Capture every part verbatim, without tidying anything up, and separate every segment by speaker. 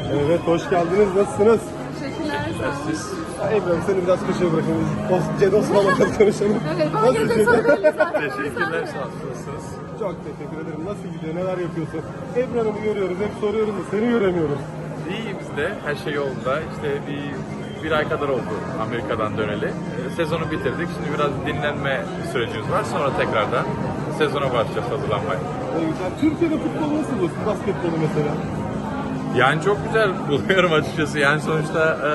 Speaker 1: Evet, hoş geldiniz. Nasılsınız?
Speaker 2: Teşekkürler, sağ olun.
Speaker 1: Ya Ebru, seni biraz köşeye bırakayım. Os- Ced Osman'la konuşalım.
Speaker 2: Evet, bana
Speaker 1: Nasıl
Speaker 2: gelecek
Speaker 1: gidiyor?
Speaker 2: soru belli zaten.
Speaker 3: Teşekkürler, sağ olun. Nasılsınız?
Speaker 1: Çok teşekkür ederim. Nasıl gidiyor? Neler yapıyorsun? Ebru Hanım'ı görüyoruz. Hep soruyoruz da seni göremiyoruz.
Speaker 3: İyi biz de, her şey yolunda. İşte bir, bir ay kadar oldu Amerika'dan döneli. Ee, Sezonu bitirdik. Şimdi biraz dinlenme sürecimiz var. Sonra tekrardan sezona başlayacağız hazırlanmaya.
Speaker 1: Ne güzel. Türkiye'de futbol nasıl bu? Basketbolu mesela.
Speaker 3: Yani çok güzel buluyorum açıkçası. Yani sonuçta e,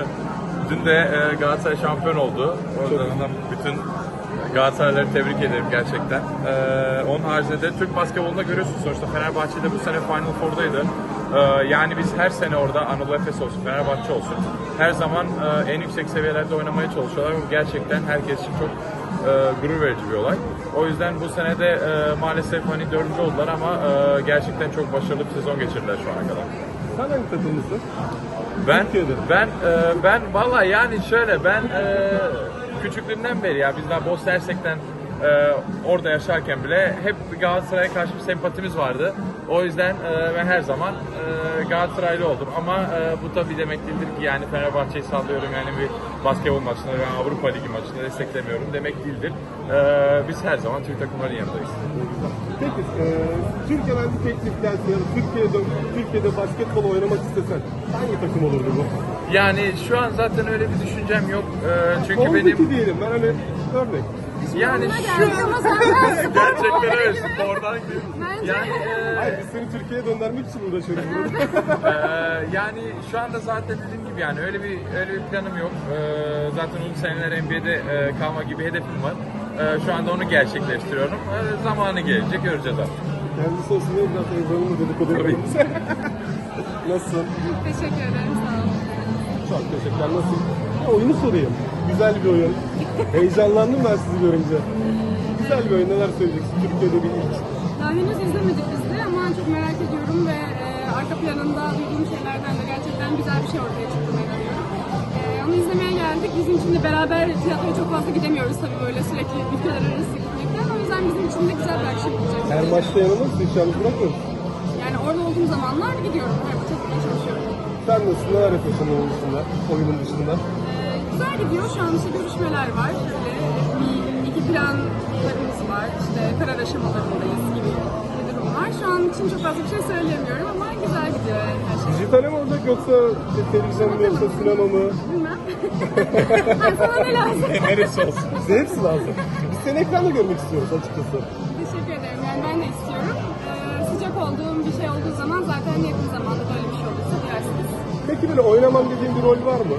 Speaker 3: dün de e, Galatasaray şampiyon oldu. Oradan da bütün Galatasarayları tebrik ederim gerçekten. E, onun haricinde de Türk basketbolunda görüyorsunuz sonuçta Fenerbahçe'de bu sene Final Four'daydı. E, yani biz her sene orada Anadolu Efes olsun, Fenerbahçe olsun her zaman e, en yüksek seviyelerde oynamaya çalışıyorlar. Bu gerçekten herkes için çok e, gurur verici bir olay. O yüzden bu sene de e, maalesef hani dördüncü oldular ama e, gerçekten çok başarılı bir sezon geçirdiler şu ana kadar.
Speaker 1: Sen hangi takımlısın?
Speaker 3: Ben
Speaker 1: Türkiye'de.
Speaker 3: ben e, ben valla yani şöyle ben e, küçüklüğümden beri ya biz daha Bosna Hersek'ten e, orada yaşarken bile hep Galatasaray'a karşı bir sempatimiz vardı. O yüzden e, ben her zaman e, Galatasaraylı oldum ama e, bu tabii demek değildir ki yani Fenerbahçe'yi sallıyorum yani bir basketbol maçında veya Avrupa Ligi maçında desteklemiyorum demek değildir. E, biz her zaman Türk takımların yanındayız.
Speaker 1: Peki, e, Türkiye'den bir teklif gelse ya da Türkiye'de, Türkiye'de basketbol oynamak istesen hangi takım olurdu bu?
Speaker 3: Yani şu an zaten öyle bir düşüncem yok. E, çünkü
Speaker 1: Oldaki
Speaker 3: benim
Speaker 1: diyelim. Ben hani örnek.
Speaker 3: yani
Speaker 2: Bana
Speaker 3: şu
Speaker 2: geldi ama senden spor
Speaker 3: gerçekten öyle
Speaker 2: gibi.
Speaker 3: spordan gibi.
Speaker 2: Bence
Speaker 3: Yani e,
Speaker 1: Hayır, biz seni Türkiye'ye döndürmek için uğraşıyoruz burada.
Speaker 3: e, yani şu anda zaten dediğim gibi yani öyle bir öyle bir planım yok. E, zaten uzun seneler N B A'de e, kalma gibi hedefim var. E, şu anda onu gerçekleştiriyorum. E, zamanı gelecek göreceğiz artık.
Speaker 1: Kendisi olsun diye biraz Ebru'nun dedikodu
Speaker 3: Tabii.
Speaker 1: yapıyoruz. Nasılsın?
Speaker 2: Teşekkür ederim, sağ olun.
Speaker 1: Çok teşekkürler. Nasıl? Ya, oyunu sorayım. Güzel bir oyun. Heyecanlandım ben sizi görünce. Güzel bir oyun. Neler söyleyeceksin? Türkiye'de bir ilk.
Speaker 2: Daha henüz izlemedik biz de ama çok merak ediyorum ve e, arka planında duyduğum şeylerden de gerçekten güzel bir şey ortaya çıktığına inanıyorum. E, onu izlemeye geldik. Bizim için de beraber tiyatroya çok fazla gidemiyoruz tabii böyle sürekli ülkeler arası gitmekten. O yüzden bizim için de güzel bir akşam olacak.
Speaker 1: Her maçta yanılır mısın? Hiç yalnız bırakmıyorsun.
Speaker 2: Yani orada olduğum zamanlar gidiyorum. Her maça gitmeye çalışıyorum.
Speaker 1: Sen nasılsın? Neler yapıyorsun oyun dışında? Oyunun dışında.
Speaker 2: Ee, güzel gidiyor. Şu an işte görüşmeler var. Böyle bir iki planlarımız var. İşte karar aşamalarındayız gibi bir durum var. Şu an için çok fazla bir şey söyleyemiyorum ama güzel gidiyor her şey.
Speaker 1: Dijitale mi olacak yoksa televizyon mu yoksa sinema mı?
Speaker 2: Bilmem. Ay, sana ne lazım?
Speaker 3: Neresi olsun?
Speaker 1: Bize hepsi lazım. Biz seni ekranda görmek istiyoruz açıkçası.
Speaker 2: Teşekkür ederim. Yani ben de istiyorum. Ee, sıcak olduğum bir şey olduğu zaman zaten yakın zamanda böyle bir şey olursa duyarsınız.
Speaker 1: Peki böyle oynamam dediğin bir rol var mı?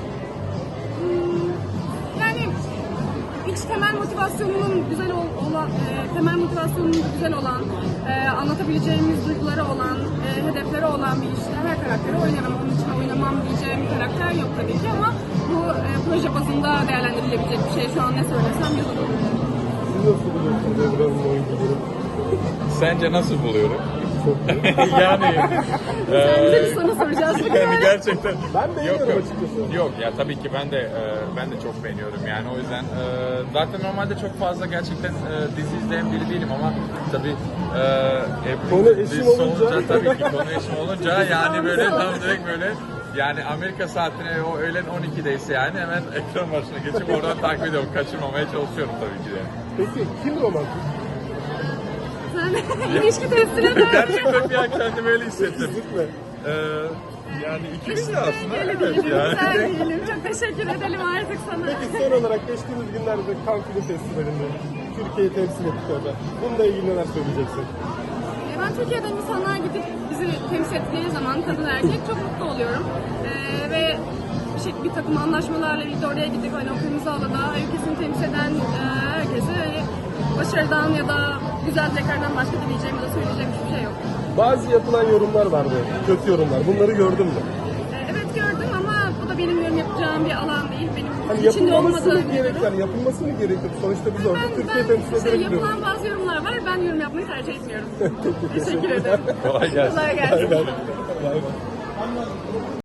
Speaker 2: Yani iç temel motivasyonunun güzel ol- olan, e, temel motivasyonunun güzel olan, e, anlatabileceğimiz duyguları olan, e, hedefleri olan bir işte her karakteri oynarım. Onun için oynamam diyeceğim bir karakter yok tabii ki ama bu e, proje bazında değerlendirilebilecek bir şey. Şu an ne söylesem yalan olur.
Speaker 1: Siz nasıl buluyorsunuz Ebru'nun oyunculuğunu?
Speaker 3: Sence nasıl buluyorum?
Speaker 1: Çok
Speaker 3: yani
Speaker 2: Sen bize
Speaker 3: e,
Speaker 2: bir soru soracağız.
Speaker 3: yani gerçekten
Speaker 1: Ben beğeniyorum
Speaker 3: yok, yok.
Speaker 1: açıkçası.
Speaker 3: Yok ya tabii ki ben de e, ben de çok beğeniyorum yani o yüzden e, zaten normalde çok fazla gerçekten e, dizi izleyen biri değilim ama tabii e, Ebru
Speaker 1: Konu eşim
Speaker 3: dizisi
Speaker 1: olunca-
Speaker 3: tabii ki konu eşim olunca yani böyle tam direkt böyle yani Amerika saatine o öğlen on ikideyse yani hemen ekran başına geçip oradan takip ediyorum. Kaçırmamaya çalışıyorum tabii ki de.
Speaker 1: Peki kim romantik?
Speaker 2: Sen ilişki testine de
Speaker 3: Gerçekten bir an kendimi öyle hissettim.
Speaker 1: Kesinlikle.
Speaker 3: Ee, yani ikimiz de aslında
Speaker 2: öyle
Speaker 3: evet
Speaker 2: diyelim,
Speaker 3: yani.
Speaker 2: güzel diyelim. Çok teşekkür edelim artık sana.
Speaker 1: Peki son olarak geçtiğimiz günlerde Cannes Film Festivali'nde Türkiye'yi temsil ettik orada. Bununla ilgili neler söyleyeceksin?
Speaker 2: E, Ben Türkiye'den insanlar gidip bizi temsil ettiği zaman kadın erkek çok mutlu oluyorum. E, ve bir, şey, bir takım anlaşmalarla birlikte oraya gidip hani o kırmızı alada ülkesini temsil eden e, herkese hani, başarıdan ya da güzel tekrardan başka dileyeceğim ya da söyleyeceğim hiçbir şey yok.
Speaker 1: Bazı yapılan yorumlar vardı, kötü yorumlar. Bunları gördün mü?
Speaker 2: E, evet gördüm ama bu da benim yorum yapacağım bir alan değil. Benim
Speaker 1: Hani
Speaker 2: içinde
Speaker 1: yapılması mı
Speaker 2: olmadığım bir
Speaker 1: gerek,
Speaker 2: durum.
Speaker 1: yani yapılması mı gerekir? Sonuçta biz orada
Speaker 2: Ben,
Speaker 1: Türkiye
Speaker 2: ben
Speaker 1: temsil
Speaker 2: şey,
Speaker 1: ederek gidiyoruz.
Speaker 2: yapılan bazı yorumlar var. Ben yorum yapmayı tercih etmiyorum.
Speaker 1: Peki,
Speaker 2: Teşekkür ederim.
Speaker 3: Kolay gelsin.
Speaker 2: Kolay gelsin.
Speaker 1: Bay bay.